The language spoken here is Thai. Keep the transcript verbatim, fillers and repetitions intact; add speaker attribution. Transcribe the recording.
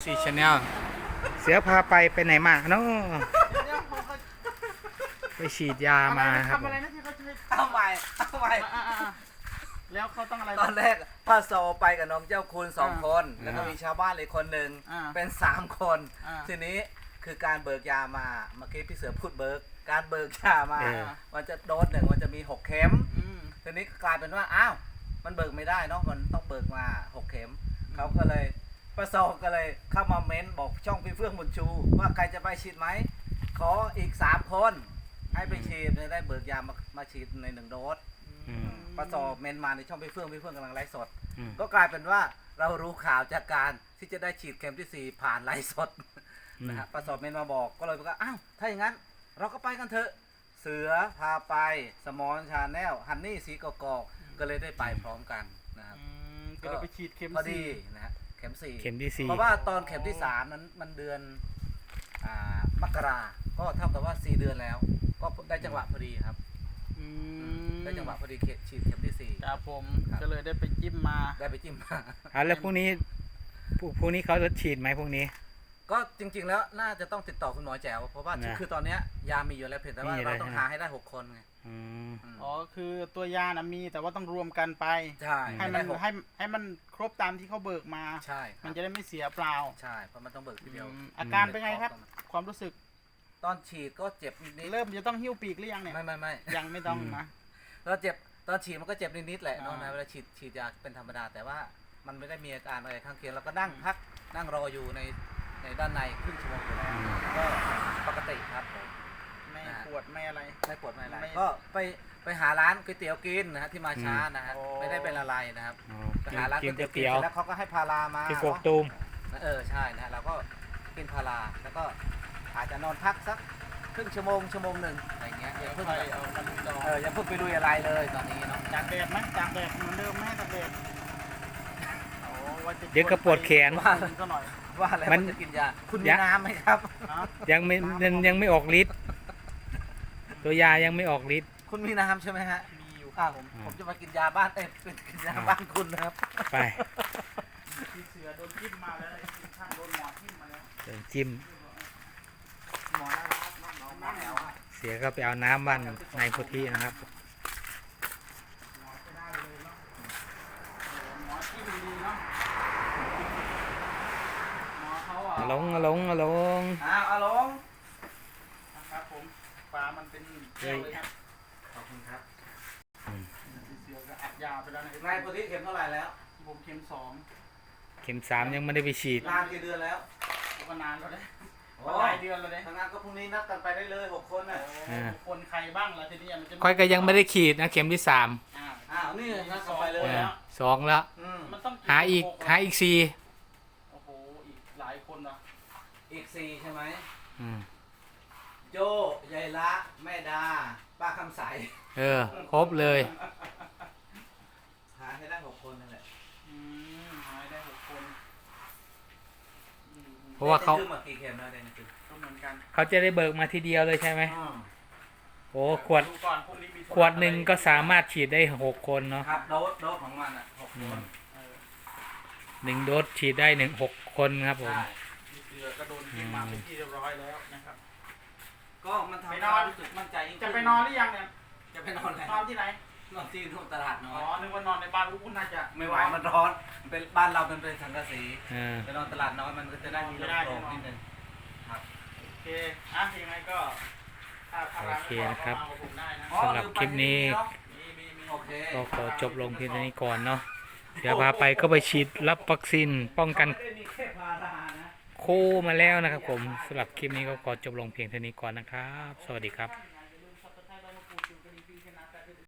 Speaker 1: สี่ชาแนลเสือพาไปไปไหนมาเนาะไปฉีดยามาครับ
Speaker 2: ทำอะไรนะที่เขาจะให้
Speaker 3: เอาใหม่เอาใหม่
Speaker 2: อ่าอ่าอ่าแล้วเขาต้องอะไร
Speaker 3: ตอนแรกป้าโซไปกับน้องเจ้าคุณสองคน
Speaker 1: อ่า
Speaker 3: แล้วก็มีชาวบ้านอีกคนหนึ่ง
Speaker 2: อ่า
Speaker 3: เป็นสามคน
Speaker 2: อ่า
Speaker 3: ทีนี้คือการเบิกยามาเมื่อกี้พี่เสือพูดเบิกการเบิกยามา
Speaker 1: เออ
Speaker 3: มันจะโดสหนึ่งมันจะมีหกเข็ม
Speaker 2: อืม
Speaker 3: ทีนี้กลายเป็นว่าอ้าวมันเบิกไม่ได้เนาะมันต้องเบิกมาหกเข็มเขาก็เลยป้าโซก็เลยเข้ามาเม้นบอกช่องพี่เฟื่องบุญชู ว่าใครจะไปฉีดไหมขออีกสามคนให้ไปฉีดจะได้เบิกยามามาฉีดในหนึ่งโดส
Speaker 1: อืม
Speaker 3: ป้าโซเมนมาในช่องพี่เฟื่องพี่เฟื่องกำลังไลฟ์สด
Speaker 1: อืม
Speaker 3: ก็กลายเป็นว่าเรารู้ข่าวจากการที่จะได้ฉีดเข็มที่สี่ผ่านไลฟ์สด
Speaker 1: อืม
Speaker 3: นะฮะป้าโซเมนมาบอกก็เลยบอกว่าอ้าวถ้าอย่างนั้นเราก็ไปกันเถอะเสือพาไปสมอนชาแนลฮันนี่สีกอกอกก็เลยได้ไปพร้อมกันนะครับ
Speaker 2: อืมก็เลยไปฉีดเข็ม
Speaker 3: พอดี
Speaker 2: สี่
Speaker 3: นะฮะเข็มสี่
Speaker 1: เข็มที่สี่
Speaker 3: เพราะว่าตอนเข็มที่สามนั้นมันเดือนอ่ามกราก็เท่ากับว่าสี่เดือนแล้ว ก็ได้จังหวะพอดีครับ
Speaker 2: อืม
Speaker 3: ได้จังหวะพอดีเข็มฉีดเข็มที่สี่
Speaker 2: ครับผม
Speaker 3: ครับ
Speaker 2: ก็เลยได้ไปจิ้มมา
Speaker 3: ได้ไปจิ้มมา
Speaker 1: อ่ะแล้วพรุ่งนี้พรุ่งพรุ่งนี้เขาจะฉีดไหมพรุ่งนี้
Speaker 3: ก็จริง ๆ แล้วน่าจะต้องติดต่อคุณหมอแจ๋วเพราะว่า
Speaker 1: นะ
Speaker 3: คือตอนเนี้ยยามีอยู่แล้วเพียงแต่ว่า
Speaker 1: มีอะไร
Speaker 3: เราต้อง
Speaker 1: ฮะ
Speaker 3: หาให้ได้หกคนไง
Speaker 1: อืม
Speaker 3: อืม
Speaker 2: อ๋อคือตัวยานะมีแต่ว่าต้องรวมกันไป
Speaker 3: ใช่
Speaker 2: ให้มัน
Speaker 3: ได้หก
Speaker 2: ให้ให้มันครบตามที่เขาเบิกมา
Speaker 3: ใช่ค
Speaker 2: มั
Speaker 3: รั
Speaker 2: น
Speaker 3: บ
Speaker 2: จะได้ไม่เสียเปล่า
Speaker 3: ใช่เพราะมันต้องเบิกทีเดียว
Speaker 2: อืมอาการเป็นไงครับ ความรู้สึก
Speaker 3: ตอนฉีดก็เจ็บนิดๆ
Speaker 2: เริ่มจะต้องหิ้วปีกหรือยังเนี่ย
Speaker 3: ไม่ไม่ไม่
Speaker 2: ยังไม่ต้องนะ
Speaker 3: เราเจ็บตอนฉีดมันก็เจ็บนิดๆแหละเนาะ
Speaker 2: อ่า
Speaker 3: นะเวลาฉีดฉีดยาเป็นธรรมดา แต่ว่ามันไม่ได้มีอาการอะไรข้างเคียงเราก็นั่งพักนั่งรออยู่ในในด้านในครึ่งชั่วโมงอยู่แล้วก็ปกติครับผม
Speaker 2: ไม่
Speaker 3: อ่า
Speaker 2: ปวดไม่อะไร
Speaker 3: ไม่ปวดไม่อะไร
Speaker 2: ไม่
Speaker 3: ก็ไปไปหาร้านก๋วยเตี๋ยวกินนะฮะที่มาช้านะฮะ
Speaker 2: โอ้
Speaker 3: ไม่ได้เป็นอะไรนะครับ
Speaker 1: อ๋อ
Speaker 3: ไปหาร้าน
Speaker 1: กิ
Speaker 3: ก๋วน ย
Speaker 1: ก๋วย
Speaker 3: เตี๋
Speaker 1: เตี๋
Speaker 3: ย
Speaker 1: ยว ว
Speaker 3: กินแล้วเขาก็ให้พารามา
Speaker 1: ที่กกตูม
Speaker 3: เออใช่นะฮะเราก็กินพาราแล้วก็อาจจะนอนพักสักครึ่งชั่วโมงชั่วโมงหนึ่งอะไรเงี้ยอย่าเพิ่ง
Speaker 2: ไปเอามาดูจอ
Speaker 3: เอออย่าเพิ่งไปลุยอะไรเลยตอนนี้เนาะ
Speaker 2: จากแดดไหมจากแดดเหมือนเดิมไหมจากแดดโอ้ว่าจะ
Speaker 1: เดี๋ยวก็ปวดแขน
Speaker 2: ว่าซะหน่อย
Speaker 3: ว่าอะไร
Speaker 1: มั
Speaker 3: มัน นจะกินยาคุณมี
Speaker 1: ยะ
Speaker 3: น้ำไหมครับ
Speaker 2: นะ
Speaker 1: ยังไม่ยังยังไม่ออกฤทธิ์ตัวยายังไม่ออกฤทธิ์
Speaker 3: คุณมีน้ำใช่ไหมฮะ
Speaker 2: มีอยู่ค
Speaker 3: อ้า
Speaker 2: รับ
Speaker 3: ว
Speaker 2: ผม
Speaker 3: ผมจะมากินยาบ้านเอ้ยเป็นกินยาบ้านคุณนะครับ
Speaker 1: ไป
Speaker 2: พี่เสือโดนจิ้มมาแล้วไอ้ทีมช่างโดนหมอจิ้มมาแล้ว
Speaker 1: เดินจิ้ม
Speaker 3: หมอนะครับหมอหมอแถวอะ
Speaker 1: เสียก็ไปเอาน้ำบ้านนายพุทธินะครับ
Speaker 2: หมอไม่ได้เลยเนาะหมอจิ้มดีๆเนาะหมอเขาอ่ะ
Speaker 1: อะลงอะลงอะลง
Speaker 3: อ้าวอาลง
Speaker 2: นะครับผมปลามันเป็นแก้วเลยครับ
Speaker 3: ขอบคุณครับ
Speaker 2: พี่เสือก็อัดยาไปแล้วนะ
Speaker 3: นายปกติเข็มเท่าไหร่แล้ว
Speaker 2: ผมเข็มสอง
Speaker 1: เข็มสามยังไม่ได้ไปฉีด
Speaker 3: นานกี่เดือนแล้ว
Speaker 2: ก็นานแล้วเลย
Speaker 3: โอ้
Speaker 2: หลายเดือนแล้วเลย
Speaker 3: ทางนั้นก็พรุ่งนี้นัดกันไปได้เลยหกคนน่ะ
Speaker 1: อ่า
Speaker 2: คนใครบ้างล่ะทีนี้มันจะ
Speaker 1: ค่อยก็ยังไม่ได้ฉีดนะเข็มที่สาม
Speaker 2: อ่า
Speaker 3: อ้าวนี่นัด
Speaker 2: ส
Speaker 3: กัน
Speaker 2: อง
Speaker 3: ไปเล
Speaker 2: ค
Speaker 3: ย
Speaker 2: นแล้ว
Speaker 1: สองแล้ว
Speaker 3: อืม
Speaker 2: มันต้อง
Speaker 1: หาอีกหาอีกสี่
Speaker 2: โอ้โหอีกหลายคนเนาะ
Speaker 3: อีกสี่ใช่ไหม
Speaker 1: อืม
Speaker 3: โจยายละแม่ดา ป้าคำใส
Speaker 1: เออครบเลย
Speaker 3: หาให้ได้หกคนนั่นแหละ
Speaker 2: อืมหายได้หกคนอืม
Speaker 1: เพราะว่าเขา
Speaker 3: ได้ขึ้นมากี่เข็มแล้วได้คือ
Speaker 2: ก็เหมือนกัน
Speaker 1: เขาจะได้เบิกมาทีเดียวเลยใช่ไหม
Speaker 3: อืม
Speaker 1: โอ้ขวด
Speaker 2: ดูก่อนพรุ่งนี้มี
Speaker 1: ขวดหนึ่งก็สามารถฉีดได้หกคนเนาะ
Speaker 3: ครับโดสโดสของมันอ่ะหกคน
Speaker 2: เออ
Speaker 1: หนึ่งโดสฉีดได้หนึ่งหกคนครับผม
Speaker 3: ใช่
Speaker 2: มีเสือก็โดนกินมาเป็นที่เรียบร้อยแล้วนะครับ
Speaker 3: ก็มันทำ
Speaker 2: ไป
Speaker 3: ให้
Speaker 2: นอน
Speaker 3: เรารู้สึกมั่นใจยิ่ง
Speaker 2: จะ
Speaker 3: ขึ้
Speaker 2: ไปนอนหรือยังเนี่ย
Speaker 3: จะไปนอนแล้ว
Speaker 2: นอนที่ไหน
Speaker 3: นอนที่นู่นตลาดน้
Speaker 2: อ๋
Speaker 3: อ
Speaker 2: อย นึกว่านอนในบ้านอุ้น่าจะ
Speaker 3: ไม่ไหวมันร้อนมันเป็นบ้านเราเป็นเป็นสังกะสี
Speaker 1: เออ
Speaker 3: ไปนอนตลาดน้อยมันก็จะได้มีลมโปร่งนิดนึงครับ
Speaker 2: โอเคอ่ะยังไงก็ถ้าถ้าร้านไม่พอก็มากับผมได้นะ
Speaker 1: สำหรับคลิปนี้
Speaker 2: มีมีมี
Speaker 3: โอเค
Speaker 1: ก็ขอจบลงเพียงเท่านี้ก่อนเนาะเดี๋ยวพาไปก็ไปฉีดรับวัคซีนป้องกัน
Speaker 3: ไม่ได้มีแค่พารานะ
Speaker 1: โคมาแล้วนะครับผมสำหรับคลิปนี้ก็ขอจบลงเพียงเท่านี้ก่อนนะครับ สวัสดีครับ